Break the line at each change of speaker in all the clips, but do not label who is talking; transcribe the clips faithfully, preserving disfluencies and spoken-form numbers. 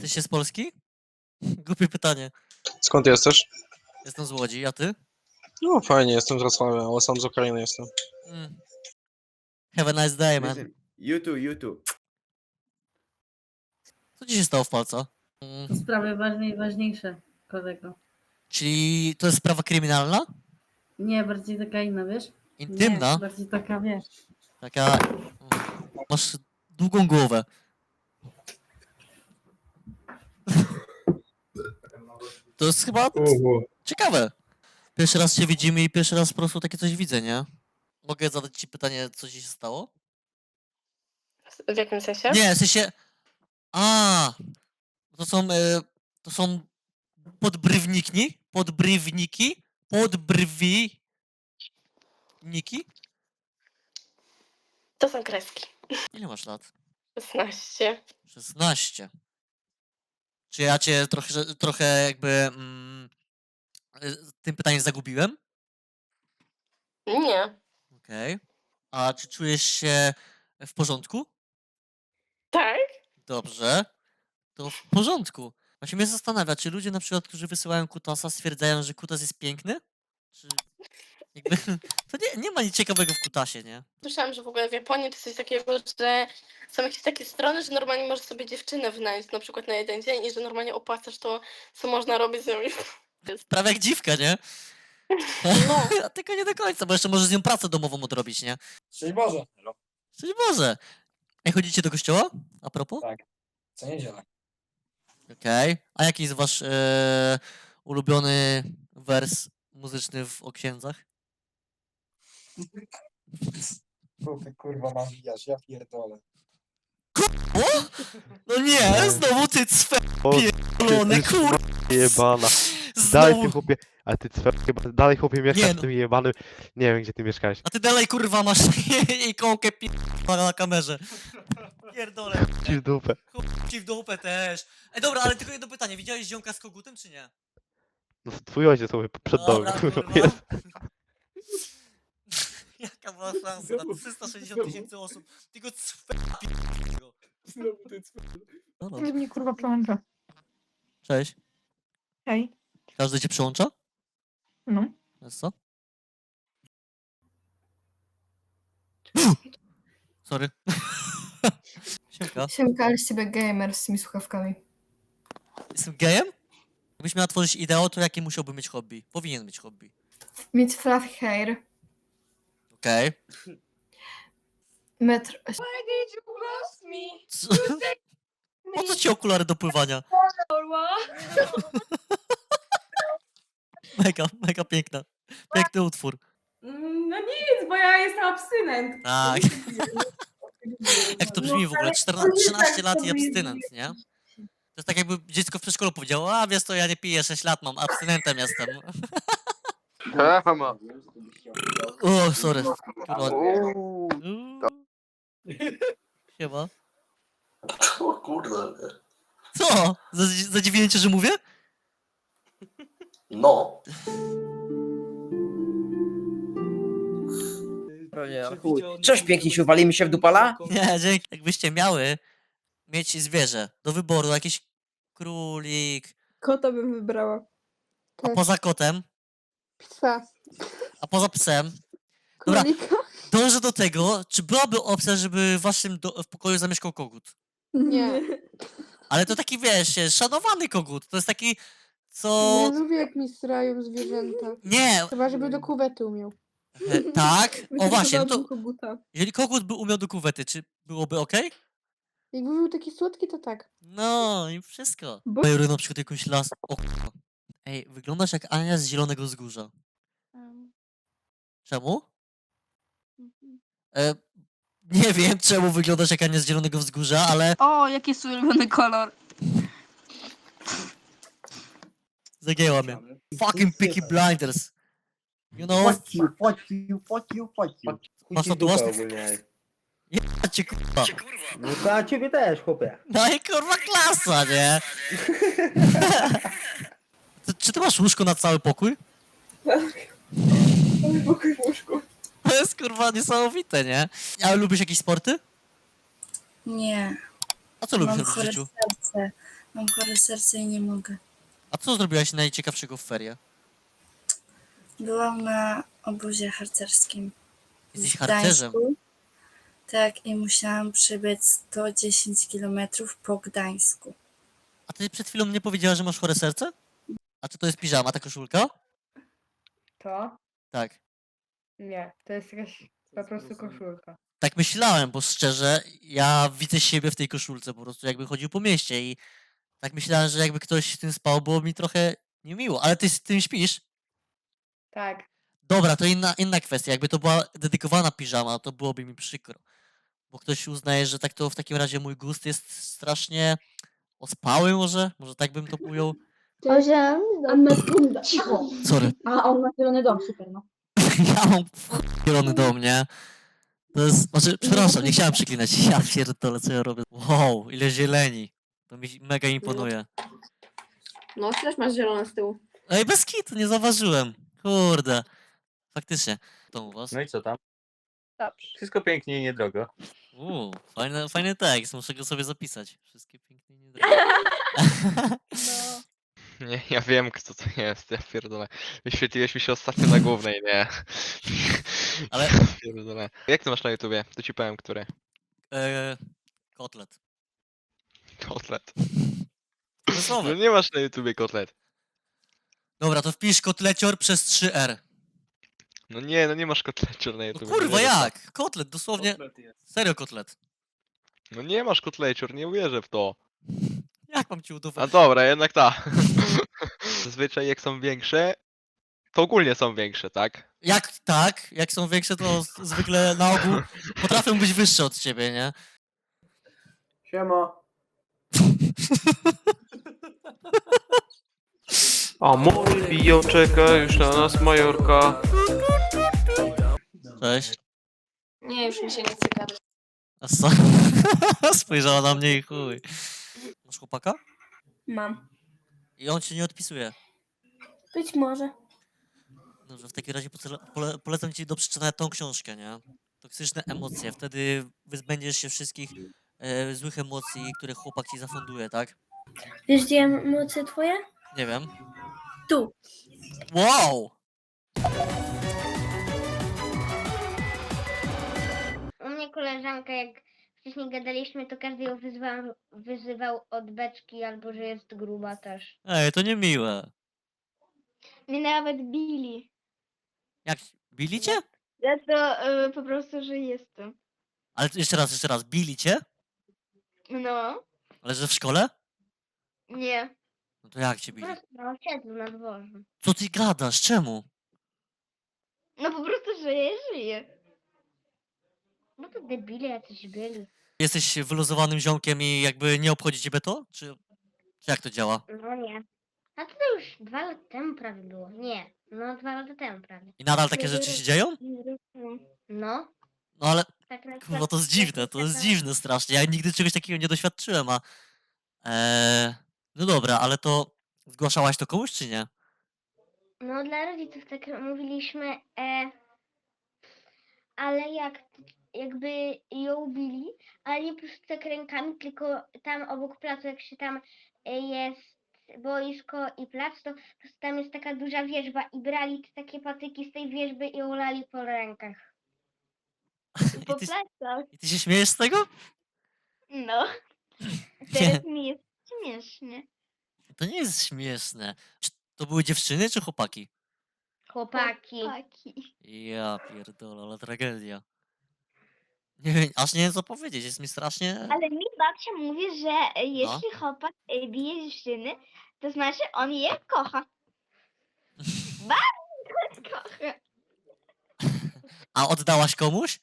Jesteście z Polski? Głupie pytanie.
Skąd jesteś?
Jestem z Łodzi, a ty?
No fajnie, jestem z Wrocławia, ale sam z Ukrainy jestem.
Mm. Have a nice day, man.
Listen, YouTube, YouTube.
Co ci się stało w palca? Mm.
To sprawy ważne i ważniejsze, kolego.
Czyli to jest sprawa kryminalna?
Nie, bardziej taka inna, wiesz?
Intymna?
Nie, bardziej taka, wiesz.
Taka... Masz długą głowę. To jest chyba ciekawe. Pierwszy raz się widzimy i pierwszy raz po prostu takie coś widzę, nie? Mogę zadać ci pytanie, co ci się stało?
W jakim sensie?
Nie, w sensie... A, to są... E, to są... Podbrywniki? Podbrywniki? Podbrwi... Niki?
To są kreski.
Ile masz lat?
szesnaście.
szesnaście. Czy ja cię trochę, trochę jakby... Mm, y, tym pytaniem zagubiłem?
Nie.
Okej. A czy czujesz się w porządku?
Tak?
Dobrze. To w porządku. Właśnie mnie zastanawia, czy ludzie na przykład, którzy wysyłają kutasa, stwierdzają, że kutas jest piękny? Czy jakby... To nie, nie ma nic ciekawego w kutasie, nie?
Słyszałam, że w ogóle w Japonii to coś takiego, że są jakieś takie strony, że normalnie możesz sobie dziewczynę wynająć na przykład na jeden dzień i że normalnie opłacasz to, co można robić z nią.
Prawie jak dziwka, nie?
No.
A tylko nie do końca, bo jeszcze możesz z nią pracę domową odrobić, nie?
Szczęść Boże.
Szczęść Boże. Ej, chodzicie do kościoła? A propos?
Tak. Co niedzielę.
Okej. A jaki jest wasz e, ulubiony wers muzyczny w o księdzach?
Co ty kurwa nawijasz, ja pierdolę.
O? No nie, znowu ty cwe pierdolone, kur...
Jebana. Dalej
Znowu...
ty chłopie, a ty cwe, chyba dalej chłopie mieszkasz
Nie
w
no.
tym jebanym, nie wiem gdzie ty mieszkałeś.
A ty dalej kurwa masz ikonkę pierdolę na kamerze. Pierdolę.
Ci w dupę.
Chuj ci w dupę też. Ej dobra, ale tylko jedno pytanie, widziałeś ziomka z kogutem czy nie?
No twój ojciec sobie przed domem,
Dobra,
kurwa,
kurwa.
jest.
Jaka była szansa na trzysta sześćdziesiąt tysięcy osób? Tylko cwe pierdolę.
Znowu ty cwe.
Dobra.
Każdy mnie kurwa przełącza.
Cześć.
Hej.
Każdy cię przełącza?
No.
Jest co? Sorry. Siemka.
Siemka, ale z ciebie gamer z tymi słuchawkami.
Jestem gejem? Jakbyś miała tworzyć ideał, to jakie musiałby mieć hobby? Powinien mieć hobby.
Mieć fluffy hair,
Okej.
metr...
Co? Po co ci okulary do pływania? Mega, mega piękna. Piękny utwór.
No nic, bo ja jestem abstynent.
Tak. Jak to brzmi w ogóle? czternaście, trzynaście lat i abstynent, nie? To jest tak jakby dziecko w przedszkolu powiedziało, a wiesz co, ja nie piję sześć lat, mam, abstynentem jestem. O, sorry. Kurwa. Uuu. Siema.
O kurde.
Co? Zadzi- Zadziwiłem cię, że mówię?
No.
Cześć, pięknie się uwalimy się w dupala?
Nie, dzięki. Jakbyście miały mieć zwierzę do wyboru, jakiś królik,
Kota bym wybrała.
a poza kotem,
Psa.
a poza psem, Dobra.
Królika?
dążę do tego, czy byłaby opcja, żeby w waszym do- w pokoju zamieszkał kogut.
Nie.
Ale to taki, wiesz, szanowany kogut, to jest taki, co...
Nie lubię jak mi srają zwierzęta.
Nie,
Chyba żeby do kuwety umiał.
e, tak, o właśnie, no to
Wytresowałabym koguta.
jeżeli kogut by umiał do kuwety, czy byłoby okej?
Jakby był taki słodki, to tak.
No i wszystko.
Bo-
Bajory na przykład jakąś las... O kurwa. Ej, wyglądasz jak Ania z Zielonego Wzgórza. Czemu? E, nie wiem, czemu wyglądasz jak Ania z Zielonego Wzgórza, ale
O, jaki jest ulubiony kolor?
zagięła mnie. Fucking Peaky Blinders. You know?
Fuck you, fuck you, fuck you, fuck you.
Masz tatuaż? Ja cię kurwa.
No to a ciebie też, chłopie.
No i kurwa klasa, nie? Ty- Czy ty masz łóżko na cały pokój?
Pokój w łóżku.
To jest kurwa niesamowite, nie? Ale lubisz jakieś sporty?
Nie,
A co lubisz
mam
robić w
chore
życiu?
serce.
Mam chore serce i nie mogę.
A co zrobiłaś najciekawszego w ferie?
Byłam na obozie harcerskim
Jesteś
w
harcerzem.
Gdańsku. Tak, i musiałam przebiec sto dziesięć kilometrów po Gdańsku.
A ty przed chwilą mnie powiedziała, że masz chore serce? A czy to jest piżama, ta koszulka?
To?
Tak.
Nie, to jest jakaś po prostu koszulka.
Tak myślałem, bo szczerze, ja widzę siebie w tej koszulce, po prostu jakby chodził po mieście i tak myślałem, że jakby ktoś w tym spał, było mi trochę niemiło. Ale ty z tym śpisz?
Tak.
Dobra, to inna, inna kwestia. Jakby to była dedykowana piżama, to byłoby mi przykro. Bo ktoś uznaje, że tak to w takim razie mój gust jest strasznie ospały może? Może tak bym to ujął?
Cicho!
Sorry.
A on ma zielony dom, super, no.
Ja mam zielony dom, nie? To jest, znaczy, przepraszam, nie chciałem przeklinać. Ja pierdolę, co ja robię. Wow, ile zieleni. To mi mega imponuje.
No, też masz zielone z tyłu.
Ej, bez kitu, nie zauważyłem. Kurde. Faktycznie. To u was?
No i co tam?
Dobrze.
Wszystko pięknie i niedrogo.
Uuu, fajny, fajny tekst, muszę go sobie zapisać. Wszystkie pięknie nie drogie.
No.
Nie, ja wiem kto to jest, ja pierdolę. Wyświetliłeś mi się ostatnio na głównej, nie.
Ale-
Pierdolę. Jak ty masz na YouTubie? To ci powiem, który.
Eee, kotlet.
Kotlet.
To
No
słowo.
nie masz na YouTubie kotlet.
Dobra, to wpisz kotlecior przez trzy R.
No nie, no nie masz kotlecior na
No
YouTubie.
kurwa,
nie wierzę w to.
jak? Kotlet, dosłownie. Serio kotlet.
No nie masz kotlecior, nie uwierzę w to.
Jak mam ci
A
udowodnić?
dobra, jednak ta. Zazwyczaj jak są większe, to ogólnie są większe, tak?
Jak tak? Jak są większe, to z- zwykle na ogół potrafią być wyższe od ciebie, nie?
Siema.
Amor bio czeka już na nas Majorka.
Cześć.
Nie, już mi się nie chce gadać.
A co? Spojrzała na mnie i chuj. Masz chłopaka?
Mam.
I on ci nie odpisuje.
Być może.
Dobrze, w takim razie pole, pole, polecam ci do przeczytania tą książkę, nie? Toksyczne emocje. Wtedy wyzbędziesz się wszystkich e, złych emocji, które chłopak ci zafunduje, tak?
Wiesz, gdzie emocje twoje?
Nie wiem.
Tu.
Wow!
U mnie koleżanka, jak wcześniej gadaliśmy, to każdy ją wyzwał, wyzywał od beczki albo że jest gruba też.
Ej, to niemiłe.
Mnie nawet bili.
Jak? Bili cię?
Ja to y, po prostu, że jestem.
Ale jeszcze raz, jeszcze raz. Bili cię?
No,
Ale że w szkole?
nie.
No to jak cię
Po
bili?
prostu na osiedlu, na dworze.
Co ty gadasz? Czemu?
No po prostu, że ja żyję. Bo to debile jacyś byli.
Jesteś wyluzowanym ziomkiem i jakby nie obchodzi ciebie to? Czy, czy jak to działa?
No nie. A to, to już dwa lata temu prawie było. Nie, no dwa lata temu prawie.
I nadal takie rzeczy się dzieją?
No.
No ale
Tak na
kurwa, to jest dziwne, to jest dziwne strasznie. Ja nigdy czegoś takiego nie doświadczyłem, a... Eee, no dobra, ale to zgłaszałaś to komuś, czy nie?
No dla rodziców tak mówiliśmy, e, ale jak jakby ją bili, ale nie po prostu tak rękami, tylko tam obok placu, jak się tam e, jest boisko i plac, to po prostu tam jest taka duża wierzba i brali te takie patyki z tej wierzby i ją lali po rękach. I po
I ty,
plecach.
I ty się śmiejesz z tego?
No.
Nie.
Teraz mi jest śmiesznie.
To nie jest śmieszne. Czy to były dziewczyny, czy chłopaki?
Chłopaki.
Ja pierdolę, ale tragedia. Nie wiem, aż nie wiem co powiedzieć, jest mi strasznie...
Ale mi babcia mówi, że e, jeśli chłopak e, bije dziewczyny, to znaczy on je kocha. Bardzo kocha.
A oddałaś komuś?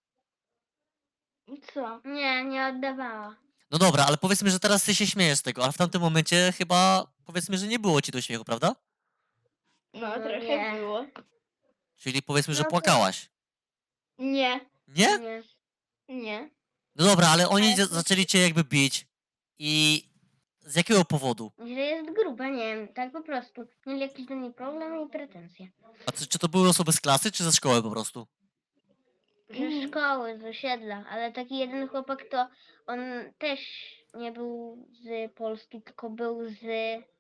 Co? Nie, nie oddawała.
No dobra, ale powiedzmy, że teraz ty się śmiejesz z tego, ale w tamtym momencie chyba powiedzmy, że nie było ci do śmiechu, prawda?
No, trochę było.
Czyli powiedzmy, że
No to-
płakałaś.
Nie.
Nie?
Nie. Nie.
No dobra, ale oni
Ale
za-
to-
zaczęli cię jakby bić. I z jakiego powodu?
Że jest gruba, nie wiem, tak po prostu. Mieli jakiś do niej problem i pretensje.
A czy, czy to były osoby z klasy, czy ze szkoły po prostu?
Ze szkoły, z osiedla, ale taki jeden chłopak to on też nie był z Polski, tylko był z...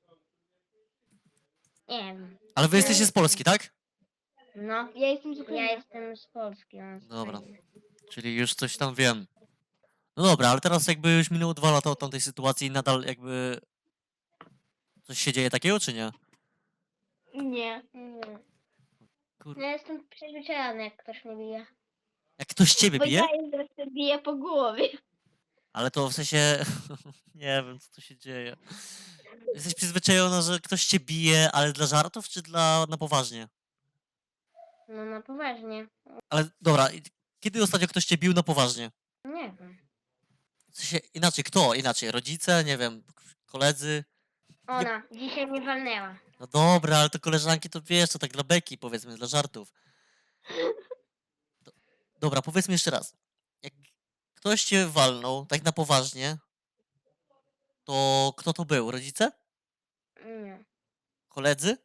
Nie wiem.
Ale wy jesteście z Polski, tak?
No. Ja jestem z Ja jestem z Polski. On z
Dobra.
Ukrainy.
Czyli już coś tam wiem. No dobra, ale teraz jakby już minęło dwa lata od tamtej sytuacji i nadal jakby coś się dzieje takiego, czy nie?
Nie. Nie.
Kur...
Ja jestem przyzwyczajony, jak ktoś mnie bije.
Jak ktoś ciebie
Bo
bije?
ja jestem bije po głowie.
Ale to w sensie... nie wiem, co tu się dzieje. Jesteś przyzwyczajona, że ktoś cię bije, ale dla żartów, czy dla... na poważnie?
No na poważnie.
Ale dobra, i kiedy ostatnio ktoś cię bił na poważnie?
Nie wiem.
W sensie inaczej, kto? Inaczej, rodzice, nie wiem, koledzy?
Ona dzisiaj mnie walnęła.
No dobra, ale to koleżanki to wiesz, to tak dla beki, powiedzmy, dla żartów. Do, dobra, powiedzmy jeszcze raz. Jak ktoś cię walnął, tak na poważnie, to kto to był? Rodzice?
Nie.
Koledzy?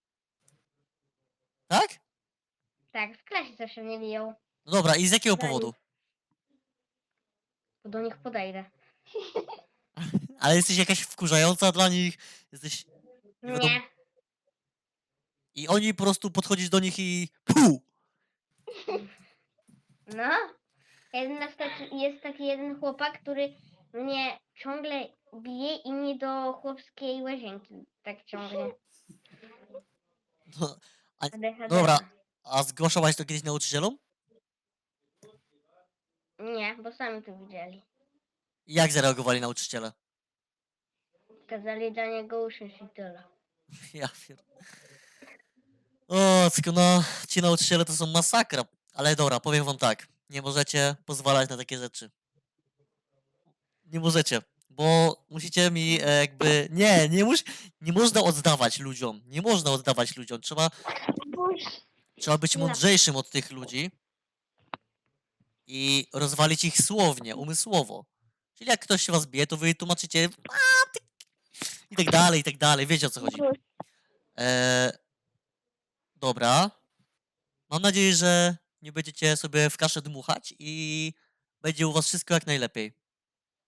Tak?
Tak, w klasie zawsze mnie biją.
No dobra, i z jakiego
Dla
powodu?
nich. Bo do nich podejdę.
Ale jesteś jakaś wkurzająca dla nich? Jesteś... Nie wiadomo-
Nie.
I oni po prostu podchodzisz do nich i... Puh!
No. Jeden na taki, jest taki jeden chłopak, który mnie ciągle bije i mnie do chłopskiej łazienki tak ciągnie.
No,
A D H D.
dobra, a zgłaszałaś to kiedyś nauczycielom?
Nie, bo sami to widzieli.
Jak zareagowali nauczyciele?
Kazali dla niego usiąść i tyle.
Ja pier... O, tylko no, ci nauczyciele to są masakra. Ale dobra, powiem wam tak. Nie możecie pozwalać na takie rzeczy. Nie możecie, bo musicie mi e, jakby... Nie, nie, mus... nie można oddawać ludziom. Nie można oddawać ludziom. Trzeba, trzeba być
Nie.
mądrzejszym od tych ludzi i rozwalić ich słownie, umysłowo. Czyli jak ktoś się was bije, to wy tłumaczycie a, ty... i tak dalej, i tak dalej. Wiecie, o co chodzi. E, dobra. Mam nadzieję, że nie będziecie sobie w kaszę dmuchać i będzie u was wszystko jak najlepiej.